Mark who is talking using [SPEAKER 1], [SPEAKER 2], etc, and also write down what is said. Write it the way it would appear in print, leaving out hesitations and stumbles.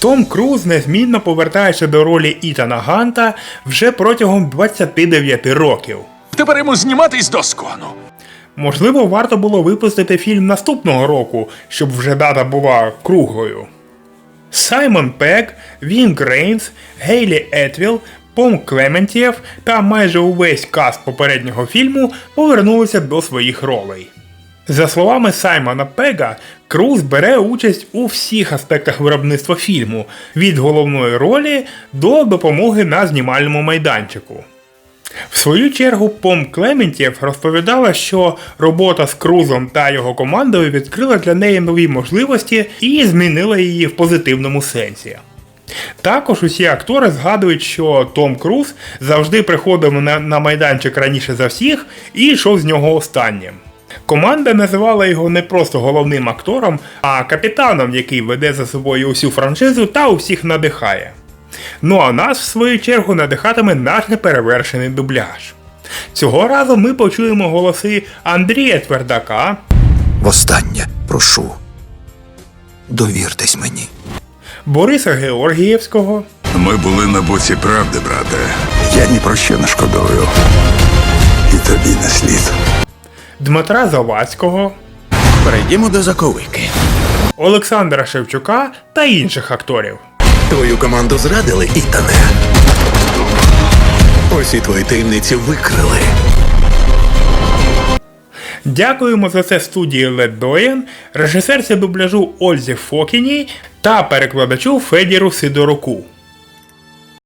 [SPEAKER 1] Том Круз незмінно повертається до ролі Ітана Ганта вже протягом 29 років.
[SPEAKER 2] Тепер йому зніматись до скону.
[SPEAKER 1] Можливо, варто було випустити фільм наступного року, щоб вже дата була круглою. Саймон Пегг, Вінг Рейнс, Гейлі Етвіл, Пом Клементєв та майже увесь каст попереднього фільму повернулися до своїх ролей. За словами Саймона Пегга, Круз бере участь у всіх аспектах виробництва фільму, від головної ролі до допомоги на знімальному майданчику. В свою чергу Пом Клементєв розповідала, що робота з Крузом та його командою відкрила для неї нові можливості і змінила її в позитивному сенсі. Також усі актори згадують, що Том Круз завжди приходив на майданчик раніше за всіх і йшов з нього останнім. Команда називала його не просто головним актором, а капітаном, який веде за собою усю франшизу та усіх надихає. Ну а нас, в свою чергу, надихатиме наш неперевершений дубляж. Цього разу ми почуємо голоси Андрія Твердака,
[SPEAKER 3] Востаннє прошу, довіртесь мені.
[SPEAKER 1] Бориса Георгієвського,
[SPEAKER 4] Ми були на боці правди, брате.
[SPEAKER 3] Я ні про що не шкодую. І тобі не слід.
[SPEAKER 1] Дмитра Завадського,
[SPEAKER 3] Перейдімо до заковики.
[SPEAKER 1] Олександра Шевчука та інших акторів.
[SPEAKER 3] Твою команду зрадили, Ітане. Усі твої таємниці викрили.
[SPEAKER 1] Дякуємо за це студії Лед Доєн, режисерці дубляжу Ользі Фокіній та перекладачу Федіру Сидоруку.